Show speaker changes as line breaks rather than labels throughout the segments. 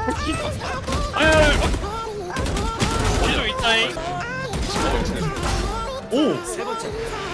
어디 좀 있다잉.
오!
세 번째.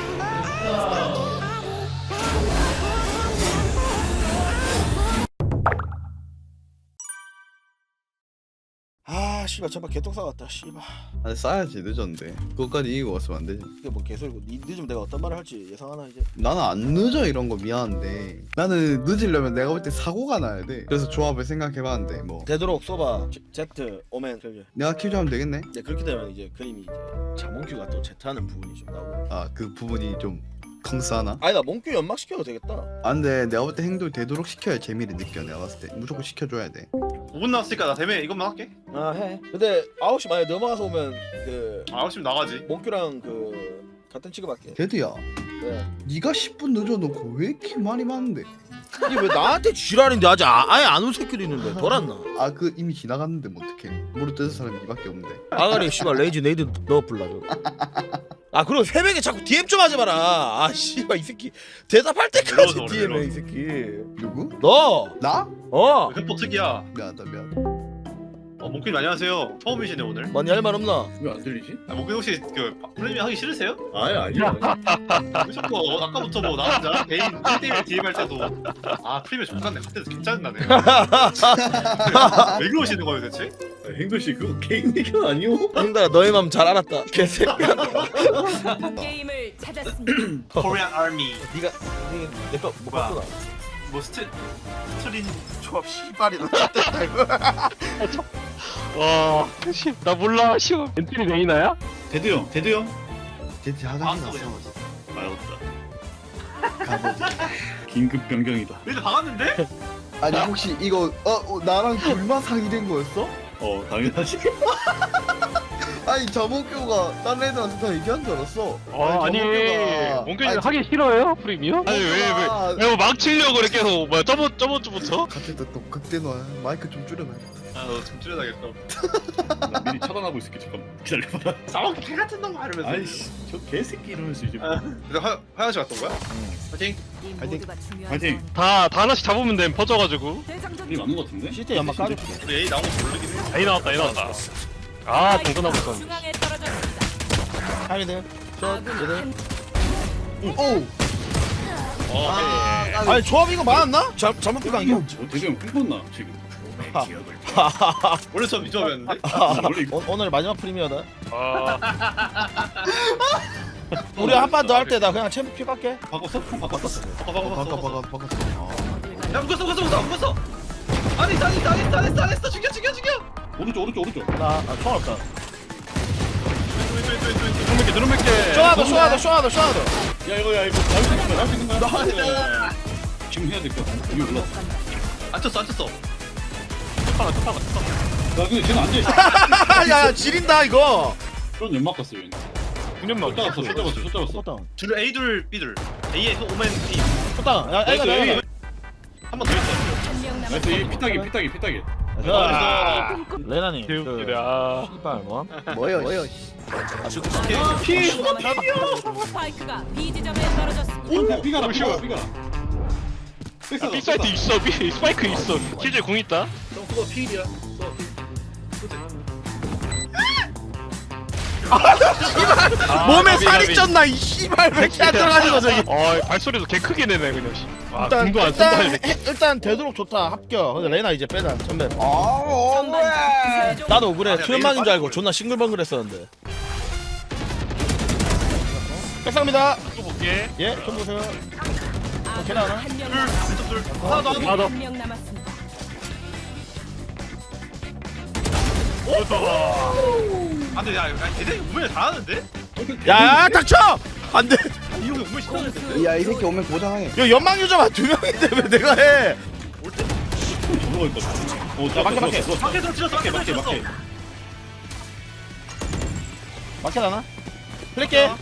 아 씨발 전파 개똥 싸웠다 씨발.
아니 싸야지 늦었는데 그것까지 이기고 왔으면 안 되지.
이게 뭐 개소리고 니 늦으면 내가 어떤 말을 할지 예상하나 이제.
나는 안 늦어 이런 거 미안한데 나는 늦으려면 내가 볼 때 사고가 나야 돼. 그래서 조합을 생각해봤는데 뭐
되도록 쏘바 제트 오멘 그게.
내가 킬 좀 하면 되겠네.
네 그렇게 되면 이제 그림이 이제 자몽큐가 또 제트하는 부분이 좀 나오고.
아 그 부분이 좀 컹스하나?
아니다 몽큐 연막 시켜도 되겠다.
아 근데 내가 볼 때 행동 되도록 시켜야 재미를 느껴. 내가 봤을 때 무조건 시켜줘야 돼.
5분 남았으니까 나 대매 이것만 할게.
아 해. 근데 9시 만에 넘어가서 오면 그
아, 열심히 나가지.
몽큐랑 그 같은 취급할게.
데드야
네.
네가 10분 늦어놓고 왜 이렇게 말이 많은데?
이게 왜 나한테 지랄인데 아직 아예 안 온 새끼도 있는데 돌았나?
아 그 이미 지나갔는데 뭐 어떡해. 무릎 뜯은 사람이 니밖에 없는데.
아가리 씨발 레이지 네이드 넣어 불라줘. 아 그리고 새벽에 자꾸 DM 좀 하지 마라. 아 씨발 이 새끼 대답할 때까지
이러서 그래,
DM해 이
이러서.
새끼.
누구?
너.
나?
어.
흑포 특이야.
미안하다 미안.
몽크님 안녕하세요. 처음이시네 오늘.
많이 할 말 없나?
왜 안 들리지?
아, 몽크님 혹시 그 프리미엄 하기 싫으세요?
아니야.
왜 자꾸 아까부터 뭐 나 혼자 개인 1대1 DM 할 때도 아 프리미엄 좋겠네. 그때도 괜찮나네. 왜 그러시는 거예요 대체?
행도 씨 그거 개인 의견 아니오?
형들아 너의 맘 잘 알았다. 개새끼야.
게임을 찾았습니다.
Korean Army.
네가 내거 못
뭐야?
봤구나.
뭐 스트린
조합 씨발이 너 X됐다 이거.
와, 나 몰라. 쉬워. 엔트리 레이나야?
대두 형.
제티 화장실
방았어
갔어.
그냥.
알았다.
가보자.
긴급 변경이다.
근데 박았는데?
아니 혹시 이거 나랑 둘만 상의된 거였어?
당연하지.
아니 저목교가 다른 애들한테 다 얘기한 줄 알았어.
아니, 몽규님 하기 싫어요? 프리미엄? 아니, 왜 망치려고 그래, 계속. 뭐야, 저번주부터?
갑자기 또 극대노야. 마이크 좀 줄여놔.
아좀 줄여야겠다.
나 미리 차단하고 있을게. 잠깐만. 기다려봐.
싸움 개 같은 놈 하면서.
아이씨, 저 개새끼 이러면서 이제.
근데 화장실 갔던 거야? 파이팅.
이
파이팅.
모두가 중요한
파이팅.
상황.
다 하나씩 잡으면 돼, 퍼져가지고.
대장전
우리 맞는 거 같은데?
시트 연막 까줄게.
우리 A 나온 거 모르긴 해.
A 나왔다. 아, 동전하고 있었네.
중앙에 떨어졌습니다.
하이드. 저
아군
얘들.
한
오.
아니 조합 이거 맞았나? 잘못 피가 아니야?
대두 형 핑퐁나 지금.
원래 저 미조였는데?
원래 이거
오늘 마지막 프리미어다.
아,
우리 한 판 더 할 때 나 그냥 챔프 피 깎게.
바꿨어? 형 바꿨어.
바꿔.
야 묶었어. 아니 죽여.
오른쪽.
나 총알 없다.
누름 몇 개.
쇼하다.
야 이거 나올 수 있는 거야? 지금 해야 될 것 같아. 위에 올라.
안 쳤어.
나 근데 쟤는 안 돼.
야 지린다 이거.
그런 연막 갔어요. 얘는.
군연막.
숏 잡았어.
쏘다.
둘 A 둘 B 둘. A에서 오멘 B.
쏘다. 야 애가
나이스,
내가.
한 번 더 있어.
한명
나이스. 이
남았습니다.
피타기.
자, 레나님.
개웃기네. 아.
씨발 뭐?
뭐요?
피.
스파이크가 B 지점에 떨어졌습니다.
삐가.
B 사이트 있어. B 스파이크 있어. 실제 공 있다.
그거 P이야.
몸에 살이 쪘나 이 씨발 왜 이렇게 안 들어가지고 저기.
발소리도 개 크게 내네 그냥. 아,
일단
공도 안 쓴다 이 새끼.
일단 되도록 좋다 합격. 근데 레나 이제 빼자 전멸.
전반
나도 그래 트랜만인 줄 알고 존나 싱글벙글했었는데. 백상입니다.
또 볼게.
예, 좀 보세요.
아군
하나?
한명
왼쪽 둘. 하나 더.
하나 더.
한명 남았습니다.
안돼 야 걔네 오멘 잘하는데?
야, 닥쳐! 안 돼.
이 형이 오멘 시켰는데.
야 이 새끼 오면 고장해.
야, 연막 유저만 2명인데 왜 내가 해?
저거 있거든.
막혀.
밖에서 찔렀어.
막혀 나나? 플랫게.
야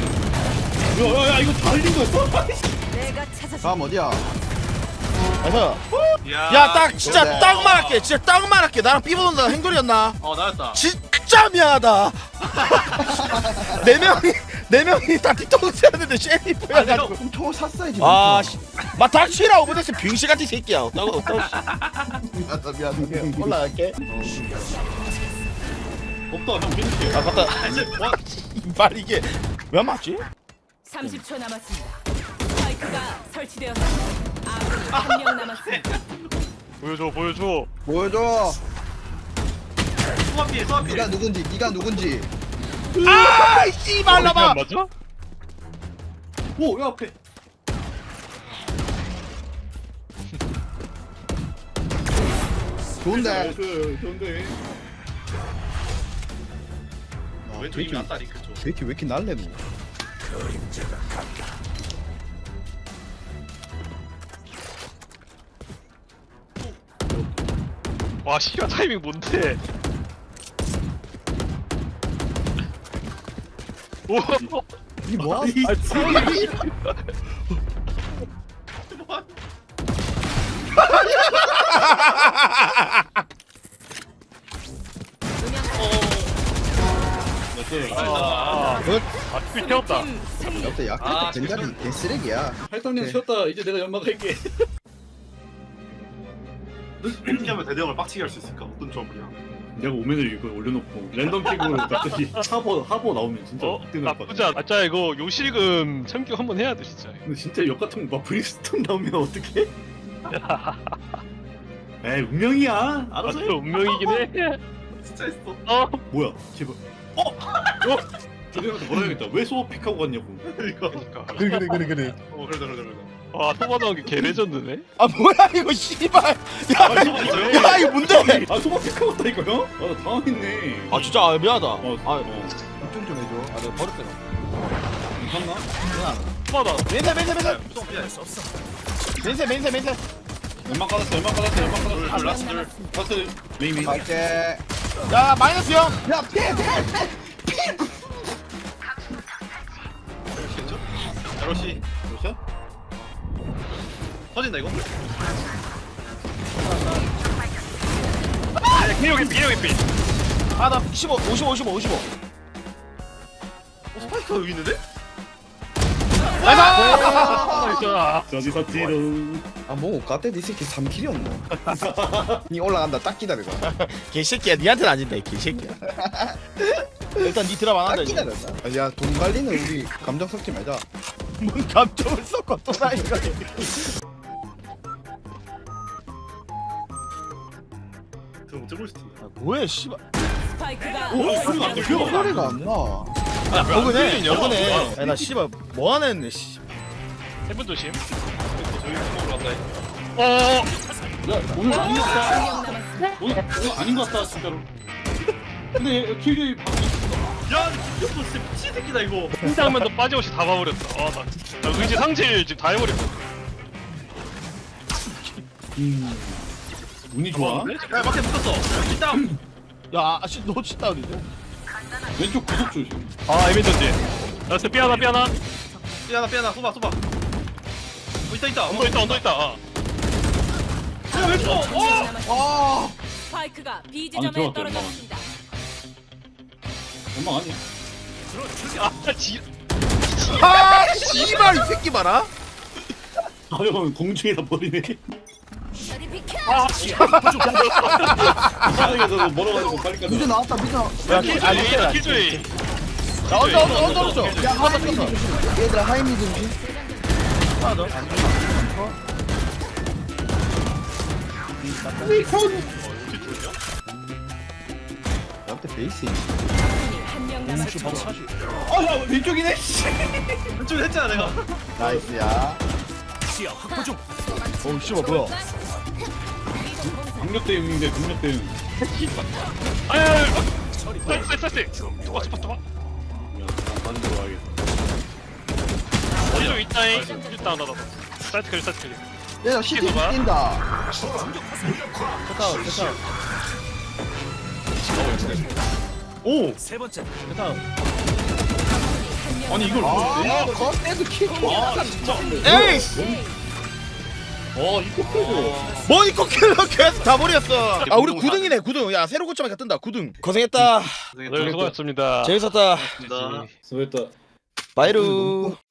이거 달린 거였어?
내가 찾았습니다.
다음 어디야?
그래서
야.
야, 딱 진짜 딱 말할게. 진짜 딱 말할게. 나랑 삐보던다 행돌이었나?
나였다.
진짜 미안하다. 네 4명이 다 뒤통수 했는데 셰리프야
내가
가지고
총 샀어야지.
마 닥치라 오버데스 병신 같은 새끼야 어따고
미안.
올라갈게
없다 형 믿을게요.
아 맞다
아 이제 뭐
말 이게 왜 맞지?
30초 남았습니다. 스파이크가 설치되었습니다. 아군이 한 명 남았습니다.
보여줘 보여줘.
보여줘.
소화피해 소화피해
네가 누군지.
아 씨발 나봐
맞아?
오야 앞에.
좋은데.
좋은데.
왼쪽 이미 낫다 링크 쪽
왜 이렇게 날래 너?
와 시간 타이밍 뭔데? 오.
이 뭐야?
아, 피 태웠다.
팀 승리.
옆에 약간 젠자리 개쓰레기야.
할당량 쉬었다. 이제 내가 연막할게.
이렇게 하면 대대형을 빡치게 할 수 있을까? 어떤 조합이야?
내가 오면을 이거 올려놓고 랜덤 픽으로 갑자기 하버 나오면 진짜
어?
뜨는 거
나쁘지 않아. 짜 이거 요실금 참교 한번 해야 돼 진짜.
근데 진짜 역 같은 거막 브리스톤 나오면 어떡해? 에이 운명이야.
아,
알아서 해.
또 운명이긴 해.
진짜 했어
어?
뭐야? 제발. 조대한테 뭐라 해야겠다. 왜 소어 픽하고 갔냐고.
이거
그러니까.
그래.
그러다
와 토마 나온 게 개레전드네.
아 뭐야 이거 씨발 야 이거 뭔데
아 소어 픽하고 갔다니까요? 아나 당황했네.
아 진짜 아, 미안하다
어.
입좀 좀 해줘 아 내가 버렸다
괜찮나?
토마다.
맨세
연막 깔았어. 연막 깔았어.
라스트
라스트 메이미.
갈게.
야 마이너스 형
야 피해.
괜찮죠? 야로시
샷?
터진다 이거?
개혁이 삐.
아나 55
스파이크가 여기 있는데?
나이스.
저기 샀지롱.
아뭐 가때 니 새끼 3킬이었노. 니 올라간다 딱 기다려봐.
개새끼야 니한테는 아닌다 이 개새끼야 일단 니 드랍 안
딱
한다 이제
기다렸다. 야돈 관리는 우리 감정 섞지 말자.
뭔 감정을 섞어 또 나이가
그럼 들고 있을 텐데
뭐해 씨발
스파이크가
소리가 안 들려.
소리가 안 나.
야 버그네
열어.
버그네 야나 씨발 뭐하나 했네 씨
세분 조심.
저기 먹으러 간다
어.
야 오늘 아닌 것 같다.
한 명 남았습니다.
오늘 아닌 것 같다 진짜로. 근데 킬이
야 이거 진짜 미친 새끼다 이거
한 장면도 빠짐없이 다 봐버렸다. 나 의지 상실 지금 다 해버렸어.
운이 좋아.
야 밖에 붙었어 일단
야 아씨 너 진짜 어디지
왼쪽 구석 조심.
아 에미전지. 나스 삐하나.
삐하나 쏘봐 있다
언더 있다. 아.
왼쪽
남았습니다. 스파이크가 B 지점에
들어갔다,
떨어졌습니다.
연막 아니야?
아 지.
아 씨발 이 새끼 봐라
하여간 공중에다 버리네.
저리 비켜.
바닥에서 멀어가지고 빨리
미드
가자.
나왔다 미드.
야
킬조이.
야 언더 줘. 야 하나 쳤어.
얘들아 하이 미드인지.
하나 더.
나한테 베이스.
아군이 한 명 남았습니다.
아야 왼쪽이네.
왼쪽에 했잖아 내가
나이스야.
어우 씨발 뭐야
강력 대응인데 강력 대응.
아야. 쎄. 도와.
야, 다른 데로 와야겠다.
어디 좀 있다잉. 일단 나도. 사이트 클리.
얘들아 시티
계속 가.
뛴다.
됐다
오
한명
아니 이걸
아 겉에도 킬.
에이씨
이거
뭐 이거 킬러 계속 다 버렸어 아 우리 9등이네 9등 야 새로 고점에 뜬다 9등 고생했다
네 수고하셨습니다.
재밌었다
나
수고했다.
바이루.